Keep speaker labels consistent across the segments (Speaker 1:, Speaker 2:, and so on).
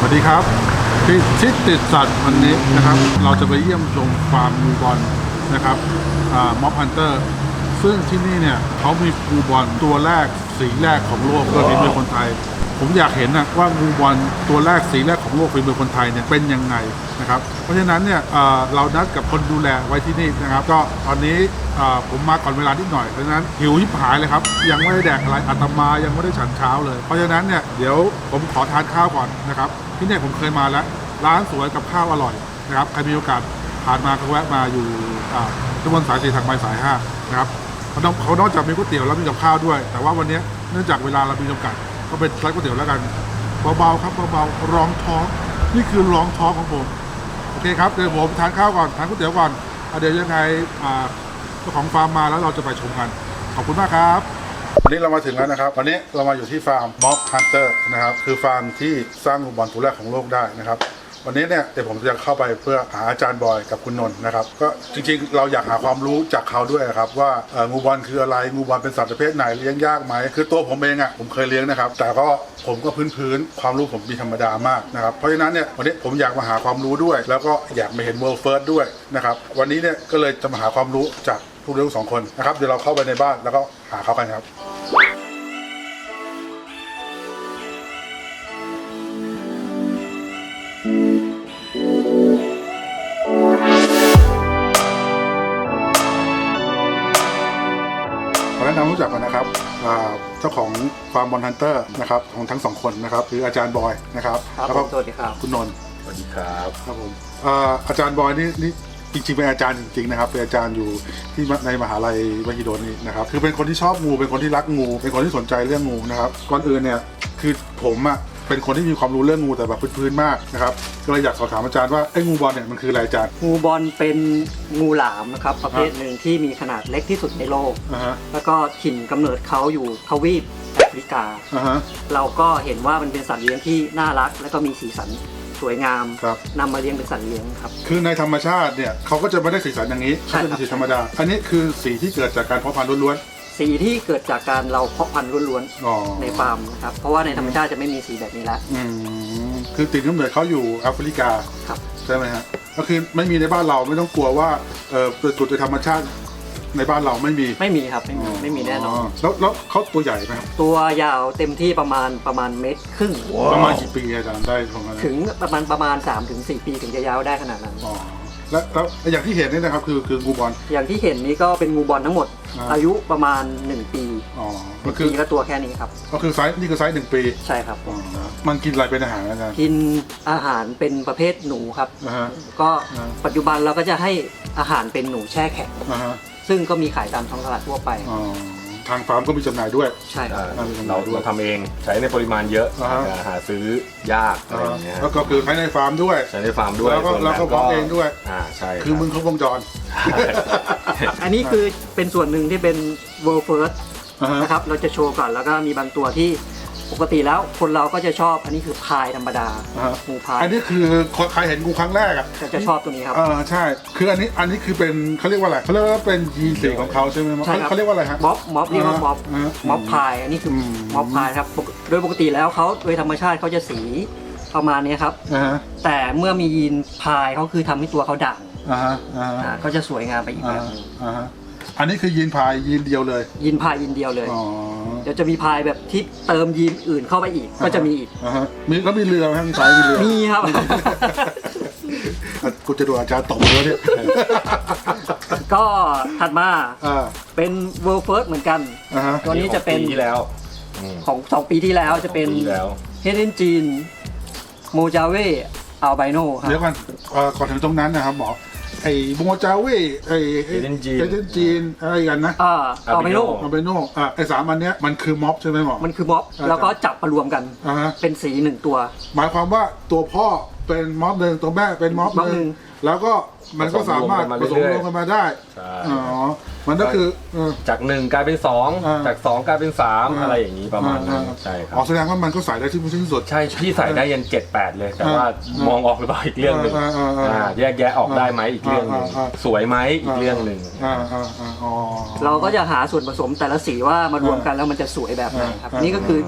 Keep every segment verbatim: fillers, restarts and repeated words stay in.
Speaker 1: วัสดีครับที่ชิดติดสัตว์วันนี้นะครับเราจะไปเยี่ยมชมฟาร์มงูบอลนะครับม็อบฮันเตอร์ซึ่งที่นี่เนี่ยเขามีงูบอลตัวแรกสีแรกของโลกโดยฝีมือคนไทยผมอยากเห็นนะว่างูบอลตัวแรกสีแรกของโลกฝีมือคนไทยเนี่ยเป็นยังไงนะครับเพราะฉะนั้นเนี่ยเรานัดกับคนดูแลไว้ที่นี่นะครับก็ตอนนี้ผมมาก่อนเวลานิดหน่อยเพราะฉะนั้นหิวยิบหายเลยครับยังไม่ได้แดกอะไรอาตมายังไม่ได้ฉันเช้าเลยเพราะฉะนั้นเนี่ยเดี๋ยวผมขอทานข้าวก่อนนะครับที่นี่ผมเคยมาแล้วร้านสวยกับข้าวอร่อยนะครับใครมีโอกาสผ่านมาก็แวะมาอยู่ถนนสายสี่ทางไปสายห้านะครับเขาเขานอกจากมีก๋วยเตี๋ยวแล้วมีกับข้าวด้วยแต่ว่าวันนี้เนื่องจากเวลาเรามีจำกัดก็เป็นร้านก๋วยเตี๋ยวแล้วกันเบาๆครับเบาๆรองท้องนี่คือรองท้องของผมโอเคครับเดี๋ยวผมทานข้าวก่อนทานก๋วยเตี๋ยวก่อนเดี๋ยวยังไงเจ้าของฟาร์มมาแล้วเราจะไปชมกันขอบคุณมากครับวันนี้เรามาถึงแล้วนะครับวันนี้เรามาอยู่ที่ฟาร์มม็อบฮันเตอร์นะครับคือฟาร์มที่สร้างงูบอลตัวแรกของโลกได้นะครับวันนี้เนี่ยเดี๋ยวผมจะเข้าไปเพื่อหาอาจารย์บอยกับคุณนนท์นะครับก็จริงๆเราอยากหาความรู้จากเขาด้วยครับว่างูบอลคืออะไรงูบอลเป็นสัตว์ประเภทไหนเลี้ยงยากไหมคือตัวผมเองอ่ะผมเคยเลี้ยงนะครับแต่ก็ผมก็พื้นๆความรู้ผมมีธรรมดามากนะครับเพราะฉะนั้นเนี่ยวันนี้ผมอยากมาหาความรู้ด้วยแล้วก็อยากมาเห็น World First ด้วยนะครับวันนี้เนี่ยก็เลยจะมาหาความรู้จากผู้เลี้ยงสองคนนะครับเดี๋ยวเราเข้าไปในบ้านแล้วก็หาเขากันครับแนะนำรู้จักกันนะครับเจ้าของฟาร์มบอลฮันเตอร์นะครับของทั้งสองคนนะครับคืออาจารย์บอยนะครับ
Speaker 2: แล้วก็สวัสดีครับ
Speaker 1: คุณนนท์
Speaker 3: สวัสดีครับ
Speaker 1: ครับผมอาจารย์บอยนี่นี่จริงๆเป็นอาจารย์จริงๆนะครับเป็นอาจารย์อยู่ที่ในมหาลัยมหิดลนี่นะครับคือเป็นคนที่ชอบงูเป็นคนที่รักงูเป็นคนที่สนใจเรื่องงูนะครับก่อนอื่นเนี่ยคือผมอ่ะเป็นคนที่มีความรู้เรื่องงูแต่แบบพื้นๆมากนะครับก็เลยอยากสอบถามอาจารย์ว่าไอ้งูบอลเนี่ยมันคืออะไรอาจารย์
Speaker 2: งูบอลเป็นงูหลามนะครับประเภทหนึ่งที่มีขนาดเล็กที่สุดในโลกแล้วก็ถิ่นกำเนิดเขาอยู่ทวีปแอฟริกาเราก็เห็นว่ามันเป็นสัตว์เลี้ยงที่น่ารักและก็มีสีสันสวยงามนำมาเลี้ยงเป็นสัตว์เลี้ยงครับ
Speaker 1: คือในธรรมชาติเนี่ยเขาก็จะไม่ได้สีสันอย่างนี้เขาจะเป็นสีธรรมดาอันนี้คือสีที่เกิดจากการเพาะพันธุ์ล้วน
Speaker 2: สีที่เกิดจากการเราเพาะพันธุ์ล้วนๆในฟาร์มนะครับเพราะว่าในธรรมชาติจะไม่มีสีแบบนี้แล้ว
Speaker 1: คือติดกำเนิดเขาอยู่แอฟริกาใช่ไหมฮะก็คือไม่มีในบ้านเราไม่ต้องกลัวว่าเออเกิดจากธรรมชาติในบ้านเราไม่มี
Speaker 2: ไม่มีครับไม่มีไม่มีแน่นอน
Speaker 1: แล้วแล้วเขาตัวใหญ่ไหมครับ
Speaker 2: ตัวยาวเต็มที่ประมาณประมาณเมตรครึ่ง
Speaker 1: ประมาณกี่ปีอาจารย์ได้ประมาณ
Speaker 2: ถึงประมาณประมาณ สามถึงสี่ ปีถึงจะยาวได้ขนาดนั้น
Speaker 1: แล้วแล้วอย่างที่เห็นนี่นะครับคือคืองูบอล
Speaker 2: อย่างที่เห็นนี้ก็เป็นงูบอลทั้งหมดอายุประมาณหนึ่งปี
Speaker 1: อ๋อ
Speaker 2: ก็คือก็ตัวแค่นี้ครับ
Speaker 1: ก็คือไซส์นี่คือไซส์หนึ่งปี
Speaker 2: ใช่ครับ
Speaker 1: มันกินอะไรเป็นอาหารอาจารย์
Speaker 2: กินอาหารเป็นประเภทหนูครับก็ปัจจุบันเราก็จะให้อาหารเป็นหนูแช่แข็งซึ่งก็มีขายตามท้องตลาดทั่วไป
Speaker 1: ทางฟาร์มก็มีจำหน่ายด้วย
Speaker 2: ใช่ครับ
Speaker 3: เราเราทำเองใช้ในปริมาณเยอะหาซื้อยากอะไรอย่างเงี้ย
Speaker 1: แล้วก็คือใช้ในฟาร์มด้วย
Speaker 3: ใช้ในฟาร์มด้วย
Speaker 1: แล้วก็แล้วก็เพาะเองด้วย
Speaker 3: อ่าใช่
Speaker 1: คือมึงครบวงจร
Speaker 2: อันนี้คือเป็นส่วนหนึ่งที่เป็น World First นะครับเราจะโชว์ก่อนแล้วก็มีบางตัวที่ปกติแล้วคนเราก็จะชอบอันนี้คือพายธรรมดางูพาย
Speaker 1: อันนี้คือใครเห็นงูครั้งแรกอ่ะ
Speaker 2: จะชอบตัวนี้ครับ
Speaker 1: เออใช่คืออันนี้อันนี้คือเป็นเขาเรียกว่าอะไรเขาเรียกว่าเป็นยีนสีของเขาใช่ไหมเขาเรียกว่าอะไรฮะ
Speaker 2: ม็อบม็อบเรียกว่าม็อบม็อบพายอันนี้คือม็อบพายครับโดยปกติแล้วเขาโดยธรรมชาติเขาจะสีประมาณนี้ครับแต่เมื่อมียีนพายเขาคือทำให้ตัวเขาด่างก็จะสวยงามไปอีกแบบนึง
Speaker 1: อันนี้คือยีนพายยีนเดียวเลย
Speaker 2: ยีนพายยีนเดียวเลยเดี๋ยวจะมีพายแบบที่เติมยีนอื่นเข้าไปอีกก็จะมีอีก
Speaker 1: มีก็มีเรือไหมมีสายมีเรือ
Speaker 2: มีครับ
Speaker 1: กูจะดูอาจารย์ตบเลยเนี่ย
Speaker 2: ก็ถัดมาเป็น World First เหมือนกันตัวนี้จะเป็น
Speaker 3: ที่แล้ว
Speaker 2: ของสองปีที่แล้วจะเป็นเฮเดนจีนโมจาเวอัลไบโนครับ
Speaker 1: เดี๋ยวก่อนก่อนถึงตรงนั้นนะครับหมอไอ้โมจาเวไอ้เฮเดนจีนเฮเดนจีนอะไรกันนะ
Speaker 2: อ่าอัลไบโน
Speaker 1: อัลไบโนอ่าไอ้สามอันเนี้ยมันคือม็อบใช่ไหมหมอ
Speaker 2: มันคือม็อบแล้วก็จับมารวมกันเป็นสีหนึ่งตัว
Speaker 1: หมายความว่าตัวพ่อเป็นม็อบหนึ่งตัวแม่เป็นม็อบหนึ่งแล้วก็มันก็สามารถผสมรวมกันมาได้อ๋อมันก็คือ
Speaker 3: จากหนึ่งกลายเป็นสองจากสองกลายเป็นสามอะไรอย่างนี้ประมาณนั้นใช่ครับ
Speaker 1: อ๋อแสดงว่ามันก็ใส่ได้ที่ที่สุด
Speaker 3: ใช่พี่ใส่ได้ยันเจ็ดแปดเลยแต่ว่ามองออกหรือเปล่าอีกเรื่องหนึ่งแยกแยะออกได้ไหมอีกเรื่องหนึ่งสวยไหมอีกเรื่องหนึ่ง
Speaker 2: เราก็จะหาส่วนผสมแต่ละสีว่ามารวมกันแล้วมันจะสวยแบบไหนครับนี่ก็คือ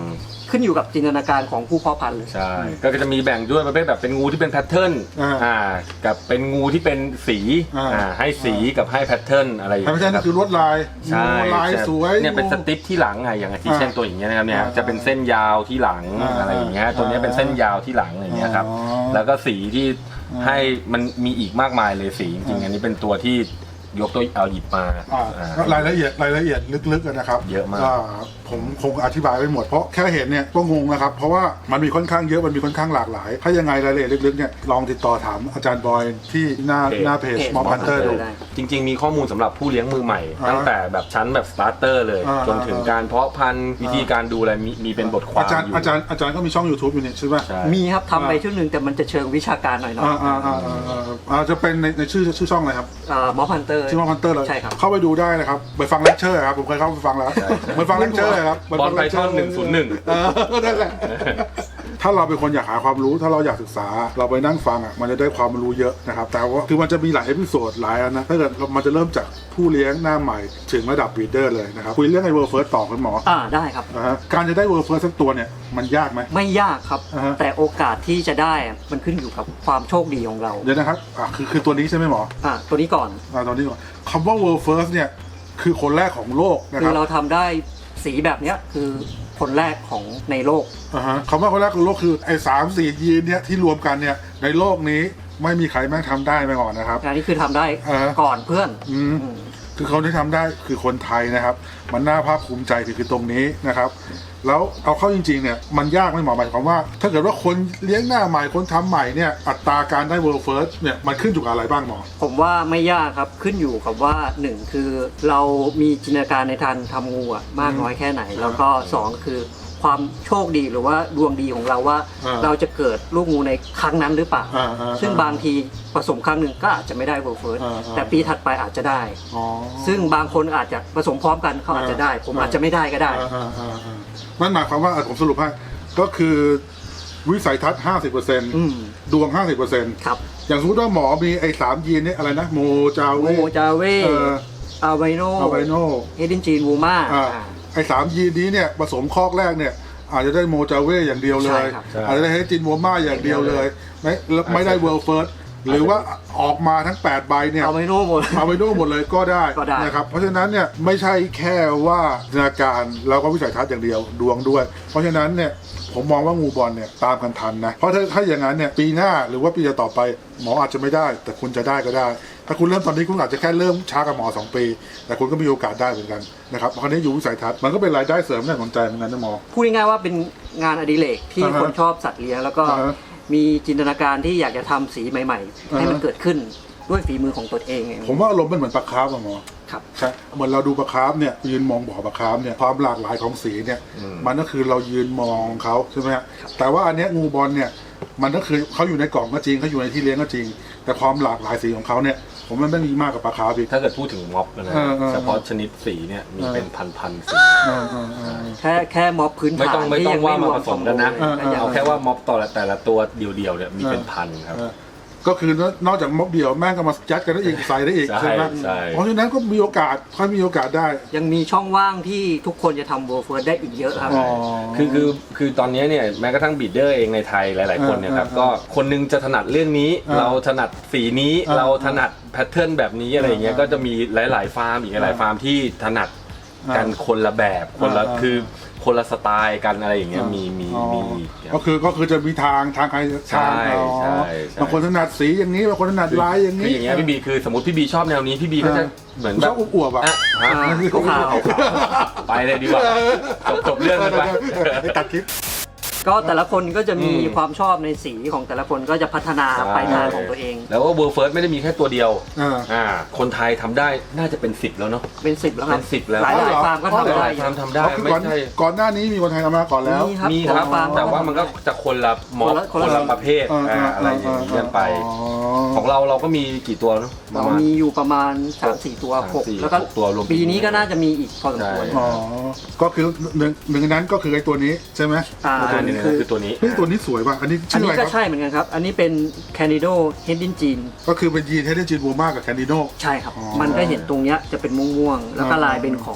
Speaker 2: ขึ้นอยู่กับจินตนาการของผู้เพาะพันธุ์เลย
Speaker 3: ใช่ก็จะมีแบ่งด้วยประเภทแบบเป็นงูที่เป็นแพทเทิร์น
Speaker 1: อ่า
Speaker 3: อ่ากับเป็นงูที่เป็นสี
Speaker 1: อ่า
Speaker 3: อ่าให้สีกับให้แพทเทิร์นอะไรอย่าง
Speaker 1: แพท
Speaker 3: เงี้
Speaker 1: เทิร์น
Speaker 3: ยค
Speaker 1: ก็
Speaker 3: รับ
Speaker 1: คือลวดลาย
Speaker 3: ใช่
Speaker 1: งูลายสวย
Speaker 3: เนี่ยเป็น
Speaker 1: งู
Speaker 3: สติปที่หลังไงอย่างที่เช่นตัวอย่างเงี้ยนะครับเนี่ย
Speaker 1: อ่า
Speaker 3: จะเป็นเส้นยาวที่หลัง
Speaker 1: อ่า
Speaker 3: อะไรอย่างเงี้ยตัวเนี้ยเป็นเส้นยาวที่หลังอย่างเงี้ยครับ
Speaker 1: อ๋อ
Speaker 3: แล้วก็สีที่ให้มันมีอีกมากมายเลยสีจริงๆอันนี้เป็นตัวที่ยกตัวเอาหยิบมา
Speaker 1: อ่า
Speaker 3: อ่าร
Speaker 1: ายละเอียดรายละเอียดลึกๆนะครับ
Speaker 3: เยอะมาก
Speaker 1: ผมคงอธิบายไม่หมดเพราะแค่เห็นเนี่ยก็งงนะครับเพราะว่ามันมีค่อนข้างเยอะมันมีค่อนข้างหลากหลาย ถ้ายังไงรายละเอียดลึกๆเนี่ยลองติดต่อถามอาจารย์บอยที่หน้าหน้าเพจ
Speaker 2: เพจ
Speaker 1: Mob Hunter ดู
Speaker 2: ได้
Speaker 3: จริงๆมีข้อมูลสำหรับผู้เลี้ยงมือใหม่
Speaker 1: อ่า
Speaker 3: ตั้งแต่แบบชั้นแบบสตาร์เตอร์เลย
Speaker 1: อ่า
Speaker 3: จนถึงการเพาะพันธุ์วิธีการดูอะไรมีมีเป็นบทความ
Speaker 1: อาจารย์
Speaker 3: อยู่
Speaker 1: อาจารย์อาจารย์ก็มีช่อง YouTube อยู่นี่ใช่ไหม
Speaker 3: ใช่
Speaker 2: มีครับทำไป
Speaker 1: อ่า
Speaker 2: ชุดหนึ่งแต่มันจะเชิงวิชาการหน่อยๆ
Speaker 1: อ่าอ่าอ่าอ่าอ่าอ่าจะเป็นในในชื่อชื่อช่องอะไรครับ
Speaker 2: มอพันเตอร์
Speaker 1: ชื่อ Mob Hunter เลย
Speaker 2: ใช่ครับ
Speaker 1: เข้าไปดูได้นะครับไปฟังเลคเชอร์ครับผมเคยเข้าไปฟังแล้วไปฟังเลคเชอร์ครับ
Speaker 3: บอลไพทอนหนึ่งศูนย์หนึ่ง
Speaker 1: เออนั่นแหละ ถ้าเราเป็นคนอยากหาความรู้ถ้าเราอยากศึกษาเราไปนั่งฟังอ่ะมันจะได้ความรู้เยอะนะครับแต่ว่าคือมันจะมีหลายเอพิโซดหลายอันนะถ้าเกิดมันจะเริ่มจากผู้เลี้ยงหน้าใหม่ถึงระดับบีดเดอร์เลยนะครับคุยเรื่องไอ้เวิร์เฟิร์สต่อคุณหมอ
Speaker 2: อ่าได้ครับ
Speaker 1: นะฮะการจะได้เวิร์เฟิร์สสักตัวเนี่ยมันยากไหม
Speaker 2: ไม่ยากครับ
Speaker 1: อ่าฮะ
Speaker 2: แต่โอกาสที่จะได้อะมันขึ้นอยู่กับความโชคดีของเรา
Speaker 1: เดี๋ยวนะครับอ่ะคือคือตัวนี้ใช่ไหมหมอ
Speaker 2: อ่าตัวนี้ก่อน
Speaker 1: อ่าตัวนี้ก่อนคำว่า world first เนี่ยคือคนแรกของโลกนะ
Speaker 2: คื
Speaker 1: ค
Speaker 2: อ
Speaker 1: รับ
Speaker 2: เราทำได้สีแบบเนี้ยคือคนแรกของในโลก
Speaker 1: อ่าฮะคำว่าคนแรกของโลกคือไอ้สามสี่ยีนเนี่ยที่รวมกันเนี่ยในโลกนี้ไม่มีใครแม่งทำได้มาก่อนนะครับ
Speaker 2: อันนี้คือทำได้
Speaker 1: อ่าฮะ
Speaker 2: ก่อนเพื่อน
Speaker 1: อืม
Speaker 2: อืม
Speaker 1: คือเขาที่ทำได้คือคนไทยนะครับ มันน่าภาคภูมิใจคือคือตรงนี้นะครับ แล้วเอาเข้าจริงๆเนี่ยมันยากไหมหมอหมายความว่า ถ้าเกิดว่าคนเลี้ยงหน้าใหม่คนทำใหม่เนี่ยอัตราการได้ world first เนี่ยมันขึ้นอยู่กับอะไรบ้างหมอ
Speaker 2: ผมว่าไม่ยากครับขึ้นอยู่กับว่าหนึ่งคือเรามีจินตนาการในทางทำงูอะมากน้อยแค่ไหน แล้วก็สองคือความโชคดีหรือว่าดวงดีของเราว่า
Speaker 1: อ่า
Speaker 2: เราจะเกิดลูกงูในครั้งนั้นหรือเปล่า
Speaker 1: อ่าอ่า
Speaker 2: ซึ่งบางทีผสมครั้งหนึ่งก็อาจจะไม่ได้ world first
Speaker 1: อ่าอ่า
Speaker 2: แต่ปีถัดไปอาจจะได้
Speaker 1: อ๋อ
Speaker 2: ซึ่งบางคนอาจจะผสมพร้อมกันเขาอาจจะได้ ผม
Speaker 1: อ่า
Speaker 2: อาจจะไม่ได้ก็ได้
Speaker 1: อ่าอ่าอ่าอ่านั่นหมายความว่าอ่ะผมสรุปให้ก็คือวิสัยทัศน์ ห้าสิบเปอร์เซ็นต์
Speaker 2: อืม
Speaker 1: ดวง ห้าสิบเปอร์เซ็นต์
Speaker 2: ครับ
Speaker 1: อย่างสมมติว่าหมอมีไอ้สามยีนเนี่ยอะไรนะโมจาเว
Speaker 2: โมจาเว
Speaker 1: เออ
Speaker 2: อาไวโน
Speaker 1: อาไวโน
Speaker 2: เฮดินจีนวูมา
Speaker 1: อ่าไอ้สามยีนนี้เนี่ยผสมคอกแรกเนี่ยอาจจะได้โมจาเวอย่างเดียวเลย
Speaker 2: ใช่ครับ
Speaker 3: ใช่
Speaker 1: อาจจะได้เฮจินโวมาอย่างเดียวเลยไม่แล้วไม่ได้เวิลด์เฟิร์สหรือว่าออกมาทั้งแปดใบเนี่ย
Speaker 2: อาไวโนหมด
Speaker 1: เอาไปดูหมดเลยก็ได้
Speaker 2: ก็ได้
Speaker 1: นะครับเพราะฉะนั้นเนี่ยไม่ใช่แค่ว่าจินตนาการแล้วก็วิสัยทัศน์อย่างเดียวดวงด้วย เพราะฉะนั้นเนี่ยผมมองว่างูบอลเนี่ยตามกันทันนะเพราะถ้าถ้าอย่างนั้นเนี่ยปีหน้าหรือว่าปีต่อไปหมออาจจะไม่ได้ แต่คุณจะได้ก็ได้ ถ้าคุณเริ่มตอนนี้คุณอาจจะแค่เริ่มช้ากับหมอสองปี แต่คุณก็มีโอกาสได้เหมือนกันนะครับคราวนี้อยู่วิสัยทัศน์มันก็เป็นรายได้เสริมน่าสนใจเหมือนกันนะหมอ
Speaker 2: พูดง่ายๆว่าเป็นงานอดิเรกที่
Speaker 1: อ่าฮะ
Speaker 2: คนชอบสัตว์เลี้ยงแล้วก็
Speaker 1: อ่าฮะ
Speaker 2: มีจินตนาการที่อยากจะทำสีใหม่ๆ ให้มัน
Speaker 1: อ่าฮะ
Speaker 2: เกิดขึ้นด้วยฝีมือของตนเองเอง
Speaker 1: ผมว่าอารมณ์มันเหมือนปลาคาร์ฟอะหมอ
Speaker 2: ครับ
Speaker 1: ใช่เหมือนเราดูปลาคาร์ฟเนี่ยยืนมองบ่อปลาคาร์ฟเนี่ยความหลากหลายของสีเนี่ยมันก็คือเรายืนมองเขาใช่ไหมฮะแต่ว่าอันเนี้ยงูบอลเนี่ยมันก็คือเขาอยู่ในกล่องก็จริงเขาอยู่ในที่เลี้ยงก็จริง แต่ความหลากหลายสีของเขาเนี่ยผมว่ามันไม่มีมากกว่าปลาคาร์ฟอีก
Speaker 3: ถ้าเกิดพูดถึงม็อบนะ
Speaker 1: เออเออ
Speaker 3: เฉพาะชนิดสีเนี่ยมี
Speaker 1: เออ
Speaker 3: เป็นพันๆสี
Speaker 1: เออเออเออ
Speaker 2: แค่แค่ม็อบพื้น
Speaker 3: ไม่
Speaker 2: ฐาน
Speaker 3: ต้องไม่
Speaker 2: ที่
Speaker 3: ต้อ
Speaker 2: ยัง ง
Speaker 3: ว่า
Speaker 2: ไม่ร
Speaker 3: มาว
Speaker 2: ม
Speaker 3: ผสมกันนะ
Speaker 2: คอมโบเลย
Speaker 1: เออเออ
Speaker 2: ก็ยัง
Speaker 3: เอาแค่ว่าม็อบต่อแต่ละตัวเดียวๆเนี่ยมีเป็นพันครับ
Speaker 1: เออก็คือนอกจากม็อบเดียวแม่งก็มายัดกันได้อีกใส่ได้อีก
Speaker 3: ใช่
Speaker 1: ใช่ไหม
Speaker 3: ใช่
Speaker 1: เพราะฉะนั้นก็มีโอกาสค่อยมีโอกาสได้
Speaker 2: ยังมีช่องว่างที่ทุกคนจะทำโบว์เฟิร์สได้อีกเยอะครับ
Speaker 1: อ๋อ
Speaker 3: คือคือคือตอนนี้เนี่ยแม้กระทั่งบีดเดอร์เองในไทยหลาย ๆ คนเนี่ยครับ
Speaker 1: เออเออ
Speaker 3: ก็คนนึงจะถนัดเรื่องนี้
Speaker 1: เออ
Speaker 3: เราถนัดสีนี้
Speaker 1: เออ
Speaker 3: เราถนัดแพทเทิร์นแบบนี้อะไรอย่างเงี้ย
Speaker 1: เออ
Speaker 3: ก็จะมีหลาย ๆ ฟาร์มอีกหลาย ๆ ฟาร์มที่ถนัดกันคนละแบบคนละ
Speaker 1: เออเออ
Speaker 3: คือคนละสไตล์กันอะไรอย่างเงี้ยมีมี
Speaker 1: อ๋อ
Speaker 3: มีอีกครับ
Speaker 1: ก็คือก็คือจะมีทางทางใคร
Speaker 3: ใช่
Speaker 1: ทางอ๋อ
Speaker 3: ใช่ใช่
Speaker 1: บางคนถนัดสีอย่างนี้บางคนถนัดลายอย่าง
Speaker 3: คือ
Speaker 1: นี้
Speaker 3: อย่างเงี้ยพี่บีคือสมมติพี่บีชอบแนวนี้พี่บีก็จะเหมือน
Speaker 1: ช
Speaker 3: แบ
Speaker 1: อบบ อวบๆอ่ะ
Speaker 3: อ่ะฮะ
Speaker 2: อ่าขาวๆ
Speaker 3: ไปเลยดีกว่าจบจบเรื่องกันไป
Speaker 1: ไปตัดคลิป
Speaker 2: ก็แต่ละคนก็จะมี
Speaker 3: อืม
Speaker 2: ความชอบในสีของแต่ละคนก็จะพัฒนา
Speaker 3: ใช่
Speaker 2: ไปทางของตัวเอง
Speaker 3: แล้วก็เวิร์เฟิร์สไม่ได้มีแค่ตัวเดียว
Speaker 1: อ่า
Speaker 3: อ่าคนไทยทำได้น่าจะเป็นสิบแล้วเนาะ
Speaker 2: เป็นสิบแล้วครับ
Speaker 3: เป็นสิบแล้ว
Speaker 2: หลายหลาย
Speaker 1: อ๋อเหรอ
Speaker 2: ฟาร์มก็ทำ
Speaker 3: ห
Speaker 2: ได้
Speaker 3: ลายๆฟาร์มทำได้
Speaker 1: อ๋อคือ
Speaker 3: ไม่
Speaker 1: ก่อน
Speaker 3: ใช่
Speaker 1: ก่อนหน้านี้มีคนไทยทำมาก่อนแล้ว
Speaker 2: มีครับ
Speaker 3: มีครับ
Speaker 2: นละฟาร์ม
Speaker 3: แต่ว่ามันก็จะคนละม็อบ
Speaker 2: คนละ
Speaker 3: ค
Speaker 2: คน นละ
Speaker 3: ละประเภท
Speaker 1: เออเออ
Speaker 3: อ่าอะไรอย่างเงี้ยไป
Speaker 1: อ๋อ
Speaker 3: ของเราเราก็มีกี่ตัวเนาะประ
Speaker 2: เรา
Speaker 3: มาณ
Speaker 2: มีอยู่ประมาณสามสี่ตัว
Speaker 3: สาม
Speaker 2: หก
Speaker 3: สี่
Speaker 2: แล้วก็
Speaker 3: หกตัวรวม
Speaker 2: ปีนี้ก็น่าจะมีอีกพอสมควร
Speaker 3: ใช่
Speaker 1: อ๋อก็คือหนึ่งหนึ่งในนั้นก็คือไอ้ตัวนี้ใช่ไหม
Speaker 2: อ่า
Speaker 3: อ่านี่
Speaker 2: คือ
Speaker 3: คือตัวนี้
Speaker 1: เฮ้ยตัวนี้สวยว่ะอันนี้
Speaker 2: อัน
Speaker 1: ชื่อ
Speaker 2: นี้
Speaker 1: อะไรค
Speaker 2: ก็
Speaker 1: รับ
Speaker 2: ใช่เหมือนกันครับ อันนี้เป็น Candido h e d i n g e n
Speaker 1: ก็คือเป็นยีนเฮดเดนจีนบูมากับแคนดิโน
Speaker 2: ใช่ครับ
Speaker 1: อ๋อ
Speaker 2: มันก็เห็นตรงเนี้ยจะเป็นม่วงๆ แล้วก็
Speaker 1: อ๋อ
Speaker 2: ลายเป็นของ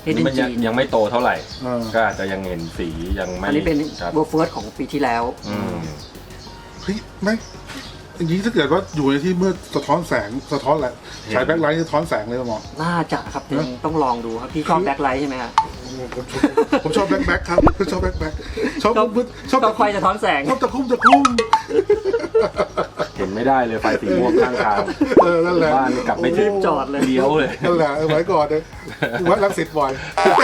Speaker 2: เฮด
Speaker 3: นี่
Speaker 2: ดี้
Speaker 3: มันยัง
Speaker 2: จีน
Speaker 3: ยังไม่โตเท่าไหร่
Speaker 1: เออ
Speaker 3: ก็อาจจะยังเห็นสียังไม่
Speaker 2: อันนี้เป็น
Speaker 3: ครับ
Speaker 2: เวอร์เฟิร์สของปีที่แล้ว
Speaker 3: อืม
Speaker 1: เฮ้ยไม่อย่างนี้ถ้าเกิดว่าอยู่ในที่มืดสะท้อนแสงสะท้อนแหละฉายแบ็คไลท์สะท้อนแสงเลยหมอ
Speaker 2: น่าจะครับยังต้องลองดูครับพี่ชอบแบ็คไลท์ใช่ไหมฮะ
Speaker 1: ผมชอบผมชอบแบ็คแบ็คครับผมชอบแบ็คแบ็คชอบ
Speaker 2: ชอบ
Speaker 1: มืดชอบ
Speaker 2: ชอบไฟสะท้อนแสง
Speaker 1: ชอบตะคุ่มตะคุ่ม
Speaker 3: เห็นไม่ได้เลยไฟสีม่วงข้างทาง
Speaker 1: เออนั่นแหละ
Speaker 3: บ้านกลับไม่ถึง
Speaker 2: จอดเลย
Speaker 3: เลี้ยวเลย
Speaker 1: นั่นแหละเอาไว้ก่อนเลยวัดรังสิตบ่อย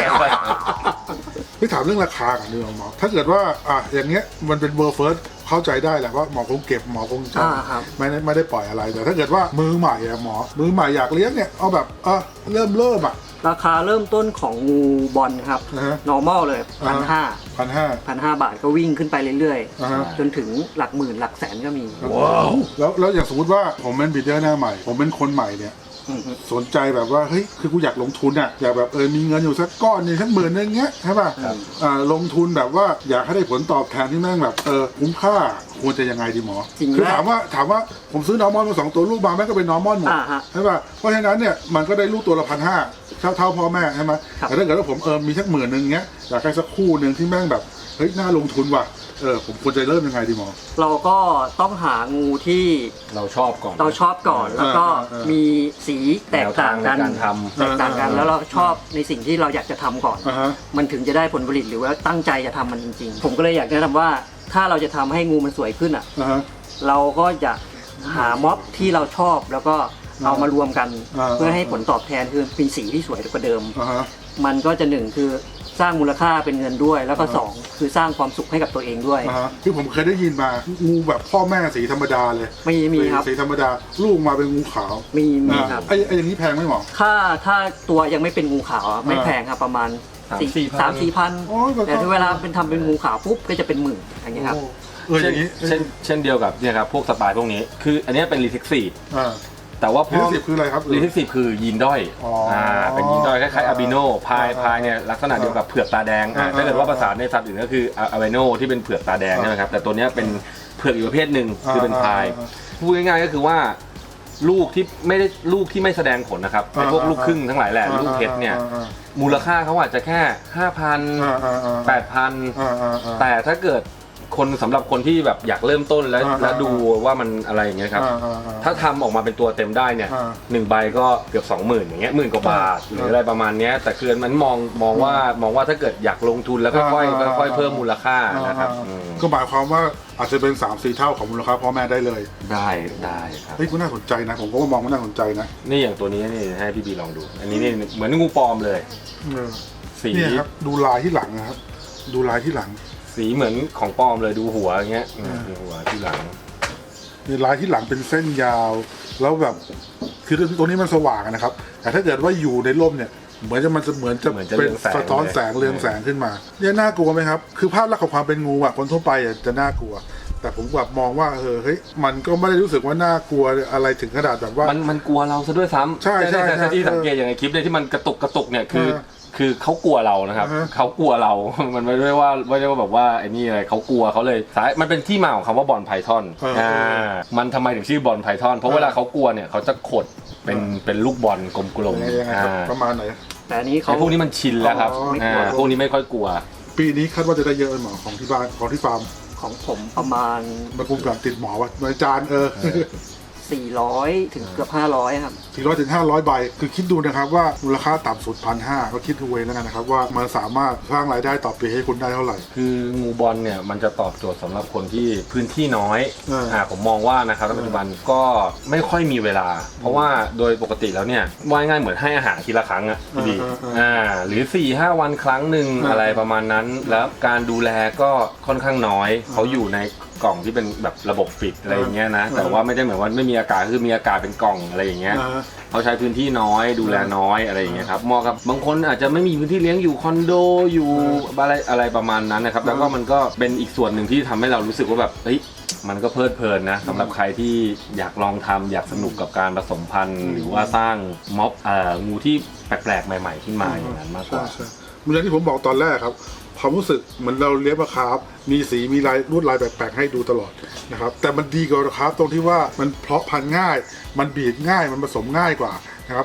Speaker 1: พี่ถามเรื่องราคากันดีกว่าหมอถ้าเกิดว่าอ่ะอย่างเงี้ยมันเป็นเบอร์เฟิร์สเข้าใจได้แหละว่าหมอคงเก็บหมอคงจะ
Speaker 2: อ่าครับ
Speaker 1: ไม่ได้ไม่ได้ปล่อยอะไรแต่ถ้าเกิดว่ามือใหม่อะหมอมือใหม่อยากเลี้ยงเนี่ยเอาแบบเออเริ่มเริ่มอะ
Speaker 2: ราคาเริ่มต้นของงูบอลครับ
Speaker 1: นะฮะ
Speaker 2: normal เลยพันห้า
Speaker 1: พันห้า
Speaker 2: พันห้าบาทก็วิ่งขึ้นไปเรื่อย
Speaker 1: อ่าฮะ
Speaker 2: ๆ จนถึงหลักหมื่นหลักแสนก็มี
Speaker 1: ว้าวแล้วแล้วอย่างสมมติว่าผมเป็นบีดเดอร์หน้าใหม่ ผมเป็นคนใหม่เนี่ย
Speaker 2: อือฮึ
Speaker 1: สนใจแบบว่าเฮ้ยคือกูอยากลงทุนอะอยากแบบเออมีเงินอยู่สักก้อนหนึงสักหมื่นนึงเงี้ยใช่ป่ะ
Speaker 3: ครับ
Speaker 1: อ่าลงทุนแบบว่าอยากให้ได้ผลตอบแทนที่แม่งแบบเออคุ้มค่าควรจะยังไงดีหมอ
Speaker 2: จริง
Speaker 1: คือ
Speaker 2: นะ
Speaker 1: ถามว่าถามว่าผมซื้อนอร์มอนมาสองตัวลูกมาแม่งก็เป็นนอร์มอนหมด
Speaker 2: อ่าฮะ
Speaker 1: ใช่ป่ะเพราะฉะนั้นเนี่ยมันก็ได้ลูกตัวละพันห้าเท่าเท่าพ่อแม่ใช่ไหม
Speaker 2: ครับ
Speaker 1: แต่ถ้าเกิดว่าผมเออมีสักหมื่นนึงเงี้ยอยากได้สักคู่หนึ่งที่แม่งแบบเฮ้ยน่าลงทุนว่ะเออผมควรจะเริ่มยังไงดีหมอ
Speaker 2: เราก็ต้องหางูที่
Speaker 3: เราชอบก่อน
Speaker 2: เราชอบก่อน แล้วก็
Speaker 1: อ่าอ่าอ่ามี
Speaker 2: มีสีแตกต่างกัน
Speaker 3: แนวทางในการทำ
Speaker 2: แตกต่างกัน
Speaker 1: อ่าอ่า
Speaker 2: แล้วเราชอบในสิ่งที่เราอยากจะทำก่อน
Speaker 1: อ่าฮะ
Speaker 2: มันถึงจะได้ผลผลิตหรือว่าตั้งใจจะทำมันจริงๆ ผมก็เลยอยากแนะนำว่าถ้าเราจะทำให้งูมันสวยขึ้นอ่ะ
Speaker 1: อ่าฮะ
Speaker 2: เราก็จะหาม็อบที่เราชอบแล้วก็เอามารวมกัน
Speaker 1: อ่า
Speaker 2: เพื่อให้ผลตอบแทนคือมีสีที่สวยกว่าเดิม
Speaker 1: อ่าฮะ
Speaker 2: มันก็จะหนึ่งคือสร้างมูลค่าเป็นเงินด้วย แล้วก็
Speaker 1: อ่า
Speaker 2: สองคือสร้างความสุขให้กับตัวเองด้วย
Speaker 1: อ่าฮะคือผมเคยได้ยินมางูแบบพ่อแม่สีธรรมดาเลย
Speaker 2: ไม่มีครับ
Speaker 1: สีธรรมดาลูกมาเป็นงูขาว
Speaker 2: มีมี
Speaker 1: อ่า
Speaker 2: ครับ
Speaker 1: ไอ้ไอ้อย่างนี้แพงไหมหมอ
Speaker 2: ถ้าถ้าตัวยังไม่เป็นงูขาวอะไม่
Speaker 1: อ่า
Speaker 2: แพงครับประมาณ
Speaker 3: สามสี่พัน
Speaker 2: สามสี่พัน
Speaker 1: โอ้ยก็
Speaker 2: แต่ถ้าเวลาเป็นทำเป็นงูขาวปุ๊บก็จะเป็นหมื่นอย่างเงี้ยครับ
Speaker 1: โอ้เอออ
Speaker 3: เช่น
Speaker 1: ย่างนี้
Speaker 3: เช่นเช่นเดียวกับเนี่ยครับพวกสปายพวกนี้ คืออันเนี้ยเป็นรีเทคซี
Speaker 1: อ่า
Speaker 3: แต่ว่าพ
Speaker 1: รี
Speaker 3: อ
Speaker 1: สิบคืออะไรครับ
Speaker 3: รีเทคซีคือยีนด้อย
Speaker 1: อ๋ออ่
Speaker 3: อ่าเป็นยีนด้อยคล้ายๆอาบิโนพาย
Speaker 1: อ่า
Speaker 3: พายเนี่ยลักษณะเดียวกับเผือกตาแดงอ่า
Speaker 1: อ่า
Speaker 3: ถ้าเกิดว่าภาษาในสัตว์อื่นก็คืออาบิโนที่เป็นเผือกตาแดง
Speaker 1: อ่า
Speaker 3: ใช่ไหมครับแต่ตัวเนี้ยเป็นเผือกอีกประเภทหนึ่งคือเป็น
Speaker 1: อ่า
Speaker 3: พาย
Speaker 1: อ่า
Speaker 3: พูดง่ายๆก็คือว่าลูกที่ไม่ได้ลูกที่ไม่แสดงผลนะครับไอ้พวก
Speaker 1: อ่า
Speaker 3: ลูกครึ่งทั้งหลายแหละลูกเพชรเนี่ย
Speaker 1: อ่าอ่า
Speaker 3: มูลค่าเขาอาจจะแค่ห้าพัน
Speaker 1: อ่าอ่าอ่า
Speaker 3: แปดพัน
Speaker 1: อ่าอ่าอ่า
Speaker 3: แต่ถ้าเกิดคนสำหรับคนที่แบบอยากเริ่มต้นแล้ว
Speaker 1: อ่า
Speaker 3: แล้วดูว่ามันอะไรอย่างเงี้ยครับ
Speaker 1: อ่าอ่าอ่า
Speaker 3: ถ้าทำออกมาเป็นตัวเต็มได้เนี่ย
Speaker 1: อ่า
Speaker 3: หนึ่งใบก็เกือบสองหมื่นอย่างเงี้ยหมื่นกว่าบาท
Speaker 1: อ่า
Speaker 3: หรืออะไรประมาณเนี้ยแต่คือมันมองมองว่ามองว่าถ้าเกิดอยากลงทุนแล้วค่อย
Speaker 1: อ่า
Speaker 3: ๆค่อยๆเพิ่มมูลค่านะครับ
Speaker 1: อ่า
Speaker 3: อืม
Speaker 1: ก็หมายความว่าอาจจะเป็นสามสี่เท่าของมูลค่าพ่อแม่ได้เลย
Speaker 3: ได้ได้ครับ
Speaker 1: เฮ้ยก็น่าสนใจนะ ผมก็มองว่าน่าสนใจนะ
Speaker 3: นี่อย่างตัวนี้นี่ให้พี่บีลองดู อันนี้นี่เหมือนงูปลอมเลย
Speaker 1: เออ
Speaker 3: สี
Speaker 1: เนี่ยครับดูลายที่หลังนะครับ ดูลายที่หลัง
Speaker 3: สีเหมือนของปลอมเลยดูหัวอย่างเงี้ยอืมดูหัวที่หลัง
Speaker 1: เนี่ยลายที่หลังเป็นเส้นยาว แล้วแบบคือตัวนี้มันสว่างอะนะครับ แต่ถ้าเกิดว่าอยู่ในร่มเนี่ย เหมือนจะมันจะเหมือนจะ
Speaker 3: เหมือนจะ
Speaker 1: เป็น
Speaker 3: เรืองแสง
Speaker 1: สะท้อนแสง
Speaker 3: เลย
Speaker 1: เรืองแสงขึ้นมาเนี่ยน่ากลัวไหมครับ คือภาพลักษณ์ของความเป็นงูอะคนทั่วไปอะจะน่ากลัว แต่ผมแบบมองว่าเออเฮ้ยมันก็ไม่ได้รู้สึกว่าน่ากลัวอะไรถึงขนาดแบบว่า
Speaker 3: มันมันกลัวเราซะด้วยซ้ำ
Speaker 1: ใช่ใช่
Speaker 3: แต่
Speaker 1: ใช่
Speaker 3: ที่สังเกตอย่างในคลิปเนี่ยที่มันกระตุกกระตุกเนี่ยคือ
Speaker 1: เออ
Speaker 3: คือเขากลัวเรานะครับ
Speaker 1: อ่าฮะ
Speaker 3: เขากลัวเรา มันไม่ได้ว่าไม่ได้ว่าแบบว่าไอ้นี่อะไรเขากลัวเขาเลยสายมันเป็นที่มาของคำว่าบอลไพทอน
Speaker 1: เอออ่
Speaker 3: อ่ามันทำไมถึงชื่อบอลไพทอนเพราะ
Speaker 1: เออ
Speaker 3: เวลาเขากลัวเนี่ยเขาจะขดเป็นเป็นลูกบอลกลม
Speaker 1: ยังไงยังไง
Speaker 3: ๆ
Speaker 1: ครับ
Speaker 3: อ่า
Speaker 1: ประมาณไหน
Speaker 2: แต่อันนี้เขา
Speaker 3: ไอ้พวกนี้มันชินแล้วครับ
Speaker 1: อ๋อไม่
Speaker 3: อ่าก
Speaker 1: ลัว
Speaker 3: พวกนี้ไม่ค่อยกลัว
Speaker 1: ปีนี้คาดว่าจะได้เยอะไหมหมอของที่บ้านของที่ฟาร์ม
Speaker 2: ของผมประมาณ
Speaker 1: มาคุมกับติดหมอวะอาจารย์เออ
Speaker 2: สี่ร้อยถึงเกือบห้าร้อยครับ
Speaker 1: สี่ร้อยถึงห้าร้อยใบ คือคิดดูนะครับว่ามูลค่าต่ำสุดพันห้าก็คิดดูเองแล้วกันนะครับว่ามันสามารถสร้างรายได้ต่อปีให้คุณได้เท่าไหร่
Speaker 3: คืองูบอลเนี่ยมันจะตอบโจทย์สำหรับคนที่พื้นที่น้อย
Speaker 1: เอออ่
Speaker 3: าผมมองว่านะครับในปัจจุบันก็ไม่ค่อยมีเวลา เพราะว่าโดยปกติแล้วเนี่ยว่าง่ายๆเหมือนให้อาหารทีละครั้งอะพี่ดี
Speaker 1: เออเออเอออ่
Speaker 3: อ่าหรือ สี่ห้า วันครั้งหนึ่ง
Speaker 1: เอออ
Speaker 3: อะไรประมาณนั้น แล้วการดูแลก็ค่อนข้างน้อยเขาอยู่ในกล่องที่เป็นแบบระบบปิดอะไรอย่างเงี้ยนะ
Speaker 1: เออ
Speaker 3: แต่ว่าไม่ได้เหมือนว่าไม่มีอากาศคือมีอากาศเป็นกล่องอะไรอย่างเงี้ย
Speaker 1: อ่า
Speaker 3: เขาใช้พื้นที่น้อยดูแลน้อยอะไรอย่างเงี้ยครับเหมาะกับบางคนอาจจะไม่มีพื้นที่เลี้ยงอยู่คอนโดอยู่อะไรอะไรประมาณนั้นนะครับแล้วก็มันก็เป็นอีกส่วนหนึ่งที่ทำให้เรารู้สึกว่าแบบเฮ้ยมันก็เพลิดเพลินนะสำหรับใครที่อยากลองทำอยากสนุกกับการผสมพันธุ์หรือว่าสร้างม็อบเอ่องูที่แปลกๆใหม่ๆขึ้นมาอย่างนั้นมากกว่า
Speaker 1: ใช่ๆเหมือนที่ผมบอกตอนแรกครับความรู้สึกเหมือนเราเลี้ยงปลาคาร์ฟมีสีมีลายลวดลายแปลกๆให้ดูตลอดนะครับแต่มันดีกว่าปลาคาร์ฟตรงที่ว่ามันเพาะพันธุ์ง่าย มันบีดง่ายมันผสมง่ายกว่านะครับ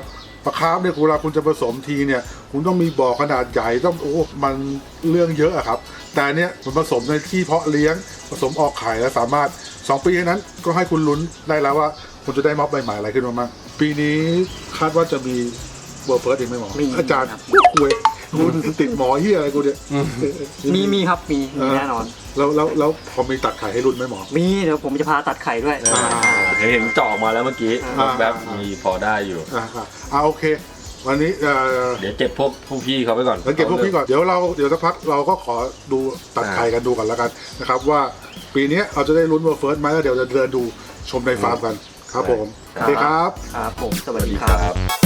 Speaker 1: ปลาคาร์ฟเนี่ยเวลาคุณจะผสมทีเนี่ยคุณต้องมีบ่อขนาดใหญ่ต้องโอ้มันเรื่องเยอะอะครับแต่เนี้ยมันผสมในที่เพาะเลี้ยงผสมออกไข่แล้วสามารถสองปีนั้นก็ให้คุณลุ้นได้แล้วว่าคุณจะได้ม็อบใบใหม่อะไรขึ้นมาบ้างปีนี้คาดว่าจะมีเบอร์เฟิร์สอีกไหมหมอ
Speaker 2: มี
Speaker 1: อาจารย์
Speaker 2: ครับ
Speaker 1: คุยคุณติดหมอเฮียอะไรกูเนี่ย
Speaker 2: มีมีครับมีมีแน่นอน
Speaker 1: แล้วแล้วแล้วพอมีตัดไข่ให้รุ่นไหมหมอ
Speaker 2: มีเดี๋ยวผมจะพาตัดไข่ด้วย
Speaker 1: อ่า
Speaker 3: เห็นเจาะมาแล้วเมื่อกี้
Speaker 1: อ่า
Speaker 3: แบบมีพอได้อยู่
Speaker 1: อ่าอ่าโอเค วันนี้เอ่อ
Speaker 3: เดี๋ยวเก็บพวกพวกพี่เขาไปก่อน
Speaker 1: แล้วเก็บพวกพี่ก่อนเดี๋ยวเราเดี๋ยวสักพักเราก็ขอดูตัดไข่กันดูกันแล้วกันนะครับว่าปีนี้เราจะได้ลุ้นเบอร์เฟิร์สไหมแล้วเดี๋ยวจะเดินดูชมในฟาร์มกันครับผมโอเคครับ
Speaker 2: ครับผมส
Speaker 3: ส
Speaker 2: วั
Speaker 3: วั
Speaker 2: ส
Speaker 3: ส
Speaker 2: ดี
Speaker 3: ดี
Speaker 2: ค
Speaker 3: ครับ รับ